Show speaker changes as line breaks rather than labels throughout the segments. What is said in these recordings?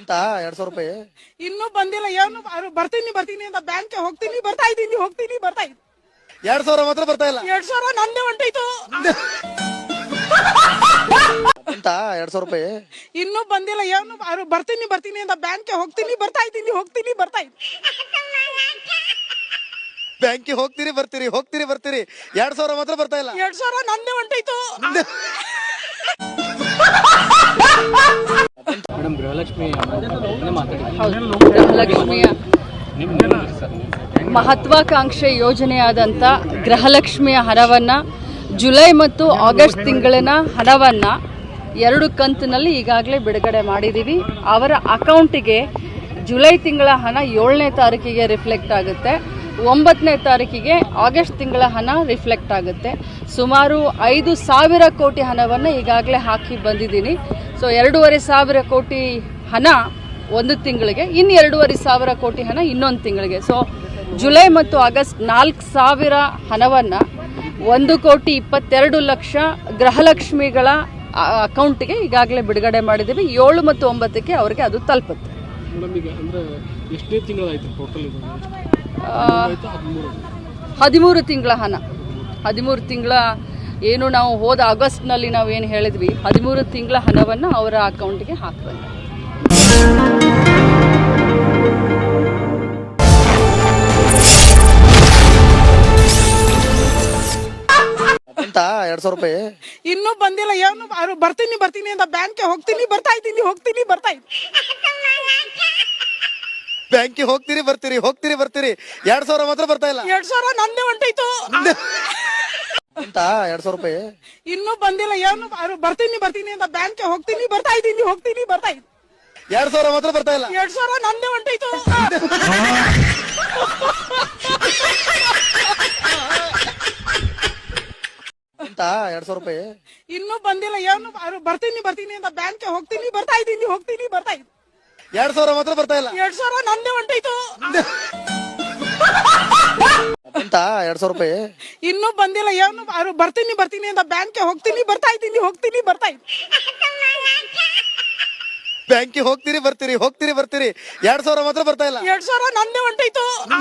ಬಂತಾ 2,000 ರೂಪಾಯಿ?
ಇನ್ನೂ ಬಂದಿಲ್ಲ. ಏನು ಬರ್ತೀನಿ ಬರ್ತೀನಿ ಅಂತ ಬ್ಯಾಂಕ್ಗೆ ಹೋಗ್ತೀನಿ, ಬರ್ತಾ ಇದ್ದೀನಿ
2,000 ಮಾತ್ರ ಬರ್ತಾ ಇಲ್ಲ.
2,000 ನಂದೇ ಹೊಂಟೋಯ್ತು.
ಬಂತಾ 2,000 ರೂಪಾಯಿ?
ಇನ್ನೂ ಬಂದಿಲ್ಲ. ಏನು ಬರ್ತೀನಿ ಬರ್ತೀನಿ ಅಂತ ಬ್ಯಾಂಕ್ಗೆ ಹೋಗ್ತೀನಿ, ಬರ್ತಾ ಇದ್ದೀನಿ
ಬ್ಯಾಂಕಿಗೆ ಹೋಗ್ತೀರಿ ಬರ್ತೀರಿ 2,000 ಮಾತ್ರ ಬರ್ತಾ ಇಲ್ಲ.
2,000 ನಂದೇ ಹೊಂಟೋಯ್ತು.
ಮೇಡಮ್, ಗೃಹಲಕ್ಷ್ಮಿಯ
ಮಹತ್ವಾಕಾಂಕ್ಷೆ ಯೋಜನೆಯಾದಂಥ ಗೃಹಲಕ್ಷ್ಮಿಯ ಹಣವನ್ನು ಜುಲೈ ಮತ್ತು ಆಗಸ್ಟ್ ತಿಂಗಳಿನ ಹಣವನ್ನು 2 ಕಂತಿನಲ್ಲಿ ಈಗಾಗಲೇ ಬಿಡುಗಡೆ ಮಾಡಿದ್ದೀವಿ. ಅವರ ಅಕೌಂಟಿಗೆ ಜುಲೈ ತಿಂಗಳ ಹಣ 7ನೇ ತಾರೀಕಿಗೆ ರಿಫ್ಲೆಕ್ಟ್ ಆಗುತ್ತೆ, 9ನೇ ತಾರೀಕಿಗೆ ಆಗಸ್ಟ್ ತಿಂಗಳ ಹಣ ರಿಫ್ಲೆಕ್ಟ್ ಆಗುತ್ತೆ. ಸುಮಾರು 5,000 ಕೋಟಿ ಹಣವನ್ನು ಈಗಾಗಲೇ ಹಾಕಿ ಬಂದಿದ್ದೀನಿ. ಸೊ 2,500 ಕೋಟಿ ಹಣ ಒಂದು ತಿಂಗಳಿಗೆ, ಇನ್ನು 2,500 ಕೋಟಿ ಹಣ ಇನ್ನೊಂದು ತಿಂಗಳಿಗೆ. ಸೊ ಜುಲೈ ಮತ್ತು ಆಗಸ್ಟ್ 4,000 ಹಣವನ್ನು 1,22,00,000 ಗೃಹಲಕ್ಷ್ಮಿಗಳ ಅಕೌಂಟ್ಗೆ ಈಗಾಗಲೇ ಬಿಡುಗಡೆ ಮಾಡಿದ್ದೀವಿ. 7 ಮತ್ತು 9ಕ್ಕೆ ಅವರಿಗೆ ಅದು ತಲುಪುತ್ತೆ. 13 ತಿಂಗಳ ಹಣ, 13 ತಿಂಗಳ ಏನು ನಾವು ಹೋದ ಆಗಸ್ಟ್ನಲ್ಲಿ ನಾವು ಏನು ಹೇಳಿದ್ವಿ, 13 ತಿಂಗಳ ಹಣವನ್ನು ಅವರ ಅಕೌಂಟ್ಗೆ ಹಾಕ್ಬೇಕು.
ಬಂತಾ 2,000 ರೂಪಾಯಿ?
ಇನ್ನೂ ಬಂದಿಲ್ಲ. ಏನು ಬರ್ತೀನಿ ಬರ್ತೀನಿ ಅಂತ ಬ್ಯಾಂಕ್ಗೆ ಹೋಗ್ತೀನಿ, ಬರ್ತಾ ಇದ್ದೀನಿ
ಬ್ಯಾಂಕಿಗೆ ಹೋಗ್ತೀರಿ ಬರ್ತೀರಿ 2,000 ಮಾತ್ರ ಬರ್ತಾ ಇಲ್ಲ.
2,000 ನಂದೇ ಹೊಂಟೋಯ್ತು.
ಬಂತಾ 2,000 ರೂಪಾಯಿ?
ಇನ್ನೂ ಬಂದಿಲ್ಲ. ಏನು ಬರ್ತೀನಿ ಬರ್ತೀನಿ ಅಂತ ಬ್ಯಾಂಕ್ಗೆ ಹೋಗ್ತೀನಿ, ಬರ್ತಾ ಇದ್ದೀನಿ
2,000 ಮಾತ್ರ ಬರ್ತಾ ಇಲ್ಲ.
2,000 ನಂದೇ ಹೊಂಟೋಯ್ತು.
ಬಂತಾ 2,000 ರೂಪಾಯಿ?
ಇನ್ನೂ ಬಂದಿಲ್ಲ. ಏನು ಬರ್ತೀನಿ ಬರ್ತೀನಿ ಅಂತ ಬ್ಯಾಂಕ್ಗೆ ಹೋಗ್ತೀನಿ, ಬರ್ತಾ ಇದ್ದೀನಿ
2,000 ಮಾತ್ರ ಬರ್ತಾ ಇಲ್ಲ.
2,000 ನಂದೇ ಹೊಂಟೋಯ್ತು.
ಬಂತಾ 2,000 ರೂಪಾಯಿ?
ಇನ್ನೂ ಬಂದಿಲ್ಲ. ಏನು ಬರ್ತೀನಿ ಬರ್ತೀನಿ ಅಂತ ಬ್ಯಾಂಕ್ಗೆ ಹೋಗ್ತೀನಿ, ಬರ್ತಾ ಇದ್ದೀನಿ
ಬ್ಯಾಂಕಿಗೆ ಹೋಗ್ತೀರಿ ಬರ್ತೀರಿ 2,000 ಮಾತ್ರ ಬರ್ತಾ ಇಲ್ಲ.
2,000 ನಂದೇ ಹೊಂಟೋಯ್ತು.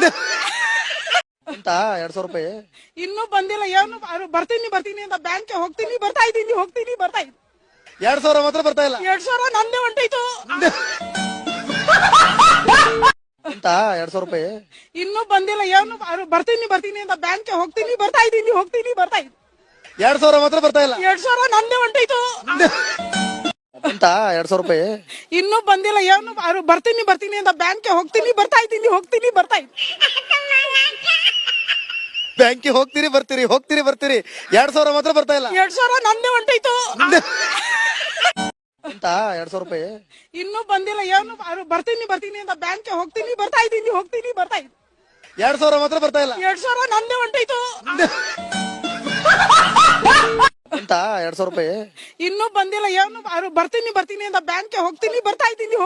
ಬಂತಾ 2,000 ರೂಪಾಯಿ?
ಇನ್ನೂ ಬಂದಿಲ್ಲ. ಏನು ಬರ್ತೀನಿ ಬರ್ತೀನಿ ಅಂತ ಬ್ಯಾಂಕ್ಗೆ ಹೋಗ್ತೀನಿ, ಬರ್ತಾ ಇದ್ದೀನಿ
2,000 ಮಾತ್ರ ಬರ್ತಾ ಇಲ್ಲ.
2,000 ನಂದೇ ಹೊಂಟೋಯ್ತು.
ಬಂತಾ 2,000 ರೂಪಾಯಿ?
ಇನ್ನೂ ಬಂದಿಲ್ಲ. ಏನು ಬರ್ತೀನಿ ಬರ್ತೀನಿ ಅಂತ ಬ್ಯಾಂಕ್ಗೆ ಹೋಗ್ತೀನಿ, ಬರ್ತಾ ಇದ್ದೀನಿ
2,000 ಮಾತ್ರ ಬರ್ತಾ ಇಲ್ಲ.
2,000 ನಂದೇ ಹೊಂಟೋಯ್ತು.
ಬಂತಾ 2,000 ರೂಪಾಯಿ?
ಇನ್ನೂ ಬಂದಿಲ್ಲ. ಏನು ಬರ್ತೀನಿ ಬರ್ತೀನಿ ಅಂತ ಬ್ಯಾಂಕ್ಗೆ ಹೋಗ್ತೀನಿ, ಬರ್ತಾ ಇದ್ದೀನಿ
ಬ್ಯಾಂಕಿಗೆ ಹೋಗ್ತೀರಿ ಬರ್ತೀರಿ 2,000 ಮಾತ್ರ ಬರ್ತಾ ಇಲ್ಲ.
2,000 ನಂದೇ ಹೊಂಟೋಯ್ತು.
ಬಂತಾ 2,000 ರೂಪಾಯಿ?
ಇನ್ನೂ ಬಂದಿಲ್ಲ. ಏನು ಬರ್ತೀನಿ ಬರ್ತೀನಿ ಅಂತ ಬ್ಯಾಂಕ್ಗೆ ಹೋಗ್ತೀನಿ, ಬರ್ತಾ ಇದ್ದೀನಿ
2,000 ಮಾತ್ರ ಬರ್ತಾ ಇಲ್ಲ.
2,000 ನಂದೇ ಹೊಂಟೋಯ್ತು.
ಬಂತಾ 2,000 ರೂಪಾಯಿ?
ಇನ್ನೂ ಬಂದಿಲ್ಲ. ಏನು ಬರ್ತೀನಿ ಬರ್ತೀನಿ ಅಂತ ಬ್ಯಾಂಕ್ಗೆ ಹೋಗ್ತೀನಿ, ಬರ್ತಾ ಇದ್ದೀನಿ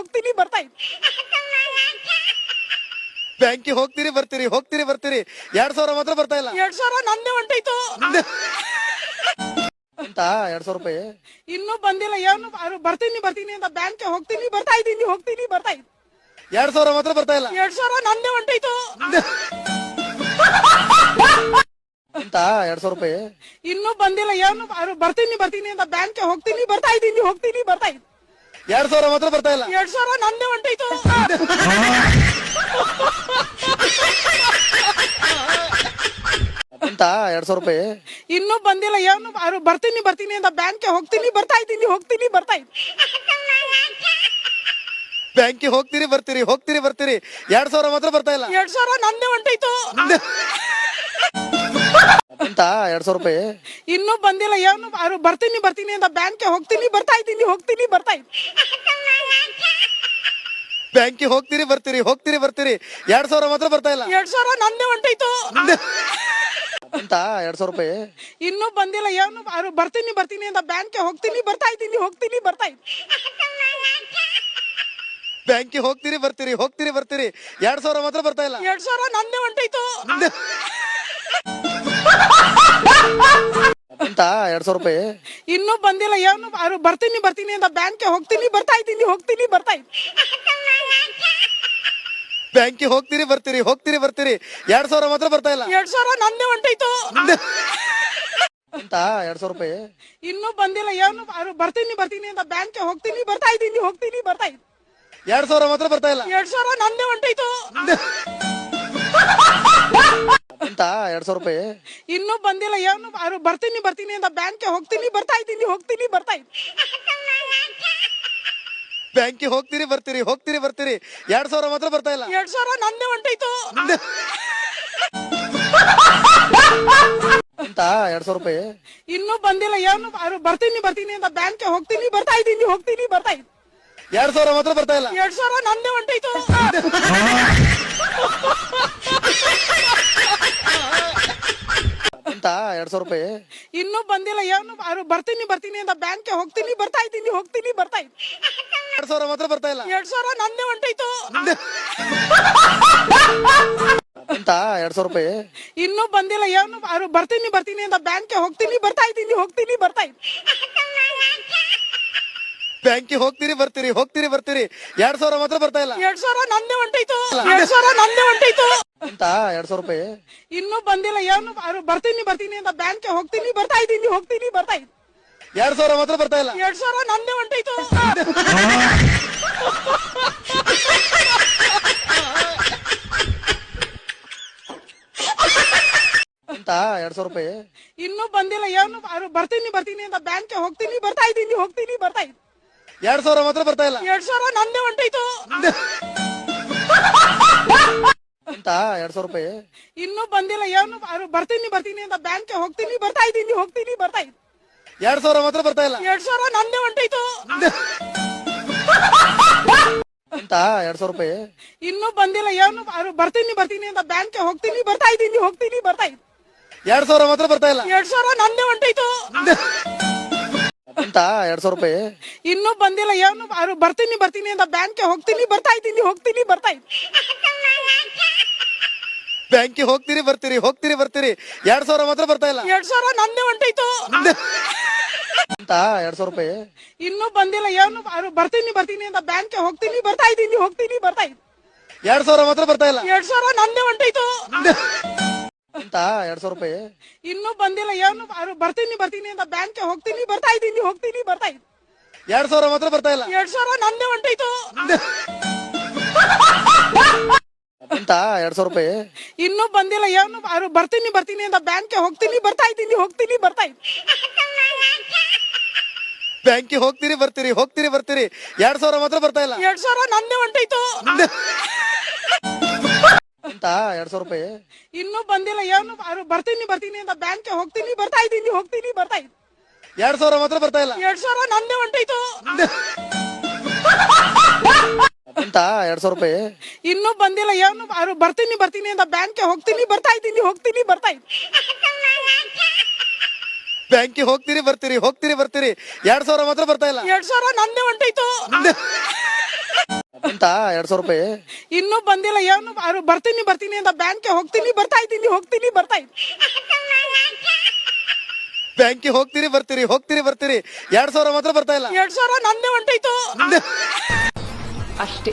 ಬ್ಯಾಂಕಿಗೆ ಹೋಗ್ತೀರಿ ಬರ್ತೀರಿ 2,000 ಮಾತ್ರ ಬರ್ತಾ ಇಲ್ಲ.
2,000 ನಂದೇ ಹೊಂಟೋಯ್ತು.
ಬಂತಾ 2,000 ರೂಪಾಯಿ?
ಇನ್ನೂ ಬಂದಿಲ್ಲ. ಏನು ಬರ್ತೀನಿ ಬರ್ತೀನಿ ಅಂತ ಬ್ಯಾಂಕ್ಗೆ ಹೋಗ್ತೀನಿ, ಬರ್ತಾ ಇದ್ದೀನಿ
2,000 ಮಾತ್ರ ಬರ್ತಾ ಇಲ್ಲ.
2,000 ನಂದೇ ಹೊಂಟೋಯ್ತು.
ಬಂತಾ 2,000 ರೂಪಾಯಿ?
ಇನ್ನೂ ಬಂದಿಲ್ಲ. ಏನು ಬರ್ತೀನಿ ಬರ್ತೀನಿ ಅಂತ ಬ್ಯಾಂಕ್ಗೆ ಹೋಗ್ತೀನಿ, ಬರ್ತಾ ಇದ್ದೀನಿ
2,000 ಮಾತ್ರ ಬರ್ತಾ ಇಲ್ಲ.
2,000 ನಂದೇ ಹೊಂಟೋಯ್ತು.
ಬಂತಾ 2,000 ರೂಪಾಯಿ?
ಇನ್ನೂ ಬಂದಿಲ್ಲ. ಏನು ಬರ್ತೀನಿ ಬರ್ತೀನಿ ಅಂತ ಬ್ಯಾಂಕ್ಗೆ ಹೋಗ್ತೀನಿ, ಬರ್ತಾ ಇದ್ದೀನಿ
ಬ್ಯಾಂಕಿಗೆ ಹೋಗ್ತೀರಿ ಬರ್ತೀರಿ 2,000 ಮಾತ್ರ ಬರ್ತಾ ಇಲ್ಲ.
2,000 ನಂದೇ ಹೊಂಟೋಯ್ತು.
ಬಂತಾ 2,000 ರೂಪಾಯಿ?
ಇನ್ನೂ ಬಂದಿಲ್ಲ. ಏನು ಬರ್ತೀನಿ ಬರ್ತೀನಿ ಅಂತ ಬ್ಯಾಂಕ್ಗೆ ಹೋಗ್ತೀನಿ, ಬರ್ತಾ ಇದ್ದೀನಿ
ಬ್ಯಾಂಕಿಗೆ ಹೋಗ್ತೀರಿ ಬರ್ತೀರಿ 2,000 ಮಾತ್ರ ಬರ್ತಾ ಇಲ್ಲ.
2,000 ನಂದೇ ಹೊಂಟೋಯ್ತು.
ಬಂತಾ 2,000 ರೂಪಾಯಿ?
ಇನ್ನೂ ಬಂದಿಲ್ಲ. ಏನು ಬರ್ತೀನಿ ಬರ್ತೀನಿ ಅಂತ ಬ್ಯಾಂಕ್ಗೆ ಹೋಗ್ತೀನಿ, ಬರ್ತಾ ಇದ್ದೀನಿ
ಬ್ಯಾಂಕಿಗೆ ಹೋಗ್ತೀರಿ ಬರ್ತೀರಿ 2,000 ಮಾತ್ರ ಬರ್ತಾ ಇಲ್ಲ.
2,000 ನಂದೇ ಹೊಂಟೋಯ್ತು.
ಅಂತ 200 ರೂಪಾಯಿ
ಇನ್ನೂ ಬಂದಿಲ್ಲ. ಏನು ಬರ್ತೀನಿ ಬರ್ತೀನಿ ಅಂತ ಬ್ಯಾಂಕ್ಗೆ ಹೋಗ್ತೀನಿ ಬರ್ತಾ ಇದ್ದೀನಿ ಹೋಗ್ತೀನಿ ಬರ್ತಾ ಇದ್ದೀನಿ.
ಬ್ಯಾಂಕಿಗೆ ಹೋಗ್ತೀರಿ ಬರ್ತೀರಿ ಹೋಗ್ತೀರಿ ಬರ್ತೀರಿ 2,000 ಮಾತ್ರ ಬರ್ತಾ ಇಲ್ಲ.
2,000 ನಂದೇ ಹೊಂಟೈತು
ಅಂತ 200 ರೂಪಾಯಿ
ಇನ್ನೂ ಬಂದಿಲ್ಲ. ಏನು ಬರ್ತೀನಿ ಬರ್ತೀನಿ ಅಂತ ಬ್ಯಾಂಕ್ಗೆ ಹೋಗ್ತೀನಿ ಬರ್ತಾ ಇದ್ದೀನಿ ಹೋಗ್ತೀನಿ ಬರ್ತಾ ಇದ್ದೀನಿ.
2,000 ಮಾತ್ರ ಬರ್ತಾ ಇಲ್ಲ.
2,000 ನಂದೇ ಹೊಂಟೈತು
ಅಂತ 200 ರೂಪಾಯಿ
ಇನ್ನೂ ಬಂದಿಲ್ಲ. ಏನು ಬರ್ತೀನಿ ಬರ್ತೀನಿ ಅಂತ ಬ್ಯಾಂಕ್ಗೆ ಹೋಗ್ತೀನಿ ಬರ್ತಾ ಇದ್ದೀನಿ ಹೋಗ್ತೀನಿ ಬರ್ತಾ ಇದ್ದೀನಿ.
ಬ್ಯಾಂಕಿಗೆ ಹೋಗ್ತೀರಿ ಬರ್ತೀರಿ ಹೋಗ್ತೀರಿ ಬರ್ತೀರಿ 2,000 ಮಾತ್ರ ಬರ್ತಾ ಇಲ್ಲ.
2,000 ನಂದೇ ಹೊಂಟೈತು
ಅಂತ 200 ರೂಪಾಯಿ
ಇನ್ನೂ ಬಂದಿಲ್ಲ. ಏನು ಬರ್ತೀನಿ ಬರ್ತೀನಿ ಅಂತ ಬ್ಯಾಂಕ್ಗೆ ಹೋಗ್ತೀನಿ ಬರ್ತಾ ಇದ್ದೀನಿ ಹೋಗ್ತೀನಿ ಬರ್ತಾ ಇದ್ದೀನಿ.
2,000 ಮಾತ್ರ ಬರ್ತಾ ಇಲ್ಲ.
2,000 ನಂದೇ ಹೊಂಟೈತು
ಅಂತ 200 ರೂಪಾಯಿ
ಇನ್ನೂ ಬಂದಿಲ್ಲ. ಏನು ಬರ್ತೀನಿ ಬರ್ತೀನಿ ಅಂತ ಬ್ಯಾಂಕ್ಗೆ ಹೋಗ್ತೀನಿ ಬರ್ತಾ ಇದ್ದೀನಿ ಹೋಗ್ತೀನಿ ಬರ್ತಾ ಇದ್ದೀನಿ.
2,000 ಮಾತ್ರ ಬರ್ತಾ ಇಲ್ಲ.
2,000 ನಂದೇ ಹೊಂಟೈತು
ಅಂತ 200 ರೂಪಾಯಿ
ಇನ್ನೂ ಬಂದಿಲ್ಲ. ಏನು ಬರ್ತೀನಿ ಬರ್ತೀನಿ ಅಂತ ಬ್ಯಾಂಕ್ಗೆ ಹೋಗ್ತೀನಿ ಬರ್ತಾ ಇದ್ದೀನಿ ಹೋಗ್ತೀನಿ ಬರ್ತಾ ಇದ್ದೀನಿ.
ಬ್ಯಾಂಕಿಗೆ ಹೋಗ್ತೀರಿ ಬರ್ತೀರಿ ಹೋಗ್ತೀರಿ ಬರ್ತೀರಿ 2,000 ಮಾತ್ರ ಬರ್ತಾ ಇಲ್ಲ.
2,000 ನಂದೇ ಹೊಂಟೈತು 2,000 ನಂದೇ ಹೊಂಟೈತು
ಅಂತ 200 ರೂಪಾಯಿ
ಇನ್ನೂ ಬಂದಿಲ್ಲ. ಏನು ಬರ್ತೀನಿ ಬರ್ತೀನಿ ಅಂತ ಬ್ಯಾಂಕ್ಗೆ ಹೋಗ್ತೀನಿ ಬರ್ತಾ ಇದ್ದೀನಿ ಹೋಗ್ತೀನಿ ಬರ್ತಾ ಇದ್ದೀನಿ.
2,000 ಮಾತ್ರ ಬರ್ತಾ ಇಲ್ಲ.
2,000 ನಂದೇ ಹೊಂಟೈತು
ಅಂತ 200 ರೂಪಾಯಿ
ಇನ್ನೂ ಬಂದಿಲ್ಲ. ಏನು ಬರ್ತೀನಿ ಬರ್ತೀನಿ ಅಂತ ಬ್ಯಾಂಕ್ಗೆ ಹೋಗ್ತೀನಿ ಬರ್ತಾ ಇದ್ದೀನಿ ಹೋಗ್ತೀನಿ ಬರ್ತಾ ಇದ್ದೀನಿ.
2,000 ಮಾತ್ರ ಬರ್ತಾ ಇಲ್ಲ.
2,000 ನಂದೇ ಹೊಂಟೈತು
ಅಂತ 200 ರೂಪಾಯಿ
ಇನ್ನೂ ಬಂದಿಲ್ಲ. ಏನು ಬರ್ತೀನಿ ಬರ್ತೀನಿ ಅಂತ ಬ್ಯಾಂಕ್ಗೆ ಹೋಗ್ತೀನಿ ಬರ್ತಾ ಇದ್ದೀನಿ ಹೋಗ್ತೀನಿ ಬರ್ತಾ ಇದ್ದೀನಿ.
2,000 ಮಾತ್ರ ಬರ್ತಾ ಇಲ್ಲ.
2,000 ನಂದೇ ಹೊಂಟೈತು
ಅಂತ 200 ರೂಪಾಯಿ
ಇನ್ನೂ ಬಂದಿಲ್ಲ. ಏನು ಬರ್ತೀನಿ ಬರ್ತೀನಿ ಅಂತ ಬ್ಯಾಂಕ್ಗೆ ಹೋಗ್ತೀನಿ ಬರ್ತಾ ಇದ್ದೀನಿ ಹೋಗ್ತೀನಿ ಬರ್ತಾ ಇದ್ದೀನಿ.
2,000 ಮಾತ್ರ ಬರ್ತಾ ಇಲ್ಲ.
2,000 ನಂದೇ ಹೊಂಟೈತು
ಅಂತ 200 ರೂಪಾಯಿ
ಇನ್ನೂ ಬಂದಿಲ್ಲ. ಏನು ಬರ್ತೀನಿ ಬರ್ತೀನಿ ಅಂತ ಬ್ಯಾಂಕ್ಗೆ ಹೋಗ್ತೀನಿ ಬರ್ತಾ ಇದ್ದೀನಿ ಹೋಗ್ತೀನಿ ಬರ್ತಾ ಇದ್ದೀನಿ.
ಬ್ಯಾಂಕಿಗೆ ಹೋಗ್ತೀರಿ ಬರ್ತೀರಿ ಹೋಗ್ತೀರಿ ಬರ್ತೀರಿ 2,000 ಮಾತ್ರ ಬರ್ತಾ ಇಲ್ಲ.
2,000 ನಂದೇ ಹೊಂಟೈತು
ಅಂತ 200 ರೂಪಾಯಿ
ಇನ್ನೂ ಬಂದಿಲ್ಲ. ಏನು ಬರ್ತೀನಿ ಬರ್ತೀನಿ ಅಂತ ಬ್ಯಾಂಕ್ಗೆ ಹೋಗ್ತೀನಿ ಬರ್ತಾ ಇದ್ದೀನಿ ಹೋಗ್ತೀನಿ ಬರ್ತಾ ಇದ್ದೀನಿ.
2,000 ಮಾತ್ರ ಬರ್ತಾ ಇಲ್ಲ.
2,000 ನಂದೇ ಹೊಂಟೈತು
ಅಂತ 200 ರೂಪಾಯಿ
ಇನ್ನೂ ಬಂದಿಲ್ಲ. ಏನು ಬರ್ತೀನಿ ಬರ್ತೀನಿ ಅಂತ ಬ್ಯಾಂಕ್ಗೆ ಹೋಗ್ತೀನಿ ಬರ್ತಾ ಇದ್ದೀನಿ ಹೋಗ್ತೀನಿ ಬರ್ತಾ ಇದ್ದೀನಿ.
2,000 ಮಾತ್ರ ಬರ್ತಾ ಇಲ್ಲ.
2,000 ನಂದೇ ಹೊಂಟೈತು
ಅಂತ 200 ರೂಪಾಯಿ
ಇನ್ನೂ ಬಂದಿಲ್ಲ. ಏನು ಬರ್ತೀನಿ ಬರ್ತೀನಿ ಅಂತ ಬ್ಯಾಂಕ್ಗೆ ಹೋಗ್ತೀನಿ ಬರ್ತಾ ಇದ್ದೀನಿ ಹೋಗ್ತೀನಿ ಬರ್ತಾ ಇದ್ದೀನಿ.
ಬ್ಯಾಂಕಿಗೆ ಹೋಗ್ತೀರಿ ಬರ್ತೀರಿ ಹೋಗ್ತೀರಿ ಬರ್ತೀರಿ 2,000 ಮಾತ್ರ ಬರ್ತಾ ಇಲ್ಲ.
2,000 ನಂದೇ ಹೊಂಟೈತು
ಅಂತ 200 ರೂಪಾಯಿ
ಇನ್ನೂ ಬಂದಿಲ್ಲ. ಏನು ಬರ್ತೀನಿ ಬರ್ತೀನಿ ಅಂತ ಬ್ಯಾಂಕ್ಗೆ ಹೋಗ್ತೀನಿ ಬರ್ತಾ ಇದ್ದೀನಿ ಹೋಗ್ತೀನಿ ಬರ್ತಾ ಇದ್ದೀನಿ.
2,000 ಮಾತ್ರ ಬರ್ತಾ ಇಲ್ಲ.
2,000 ನಂದೇ ಹೊಂಟೈತು
ಅಂತ 200 ರೂಪಾಯಿ
ಇನ್ನೂ ಬಂದಿಲ್ಲ. ಏನು ಬರ್ತೀನಿ ಬರ್ತೀನಿ ಅಂತ ಬ್ಯಾಂಕ್ಗೆ ಹೋಗ್ತೀನಿ ಬರ್ತಾ ಇದ್ದೀನಿ ಹೋಗ್ತೀನಿ ಬರ್ತಾ ಇದ್ದೀನಿ.
ಬ್ಯಾಂಕಿಗೆ ಹೋಗ್ತೀರಿ ಬರ್ತೀರಿ ಹೋಗ್ತೀರಿ ಬರ್ತೀರಿ 2,000 ಮಾತ್ರ ಬರ್ತಾ ಇಲ್ಲ.
2,000 ನಂದೇ ಹೊಂಟೈತು
ಅಂತ 200 ರೂಪಾಯಿ
ಇನ್ನೂ ಬಂದಿಲ್ಲ. ಏನು ಬರ್ತೀನಿ ಬರ್ತೀನಿ ಅಂತ ಬ್ಯಾಂಕ್ಗೆ ಹೋಗ್ತೀನಿ ಬರ್ತಾ ಇದ್ದೀನಿ ಹೋಗ್ತೀನಿ ಬರ್ತಾ ಇದ್ದೀನಿ.
ಬ್ಯಾಂಕಿಗೆ ಹೋಗ್ತೀರಿ ಬರ್ತೀರಿ ಹೋಗ್ತೀರಿ ಬರ್ತೀರಿ 2,000 ಮಾತ್ರ ಬರ್ತಾ ಇಲ್ಲ.
2,000 ನಂದೇ ಹೊಂಟೈತು
ಅಷ್ಟೇ.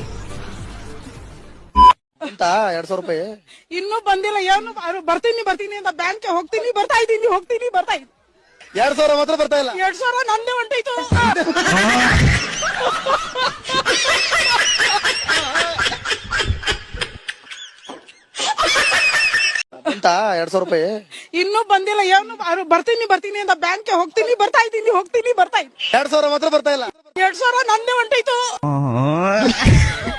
ಅಂತ 200 ರೂಪಾಯಿ
ಇನ್ನೂ ಬಂದಿಲ್ಲ. ಏನು ಬರ್ತೀನಿ ಬರ್ತೀನಿ ಅಂತ ಬ್ಯಾಂಕ್ಗೆ ಹೋಗ್ತೀನಿ ಬರ್ತಾ ಇದ್ದೀನಿ ಹೋಗ್ತೀನಿ ಬರ್ತಾ ಇದ್ದೀನಿ.
2,000 ಮಾತ್ರ ಬರ್ತಾ ಇಲ್ಲ.
2,000 ನಂದೇ ಹೊಂಟೈತು
ಅಂತ 200 ರೂಪಾಯಿ
ಇನ್ನೂ ಬಂದಿಲ್ಲ. ಏನು ಬರ್ತೀನಿ ಬರ್ತೀನಿ ಅಂತ ಬ್ಯಾಂಕ್ಗೆ ಹೋಗ್ತೀನಿ ಬರ್ತಾ ಇದ್ದೀನಿ ಹೋಗ್ತೀನಿ ಬರ್ತಾ ಇದ್ದೀನಿ.
2,000 ಮಾತ್ರ ಬರ್ತಾ ಇಲ್ಲ.
2,000 ನಂದೇ ಹೊಂಟೈತು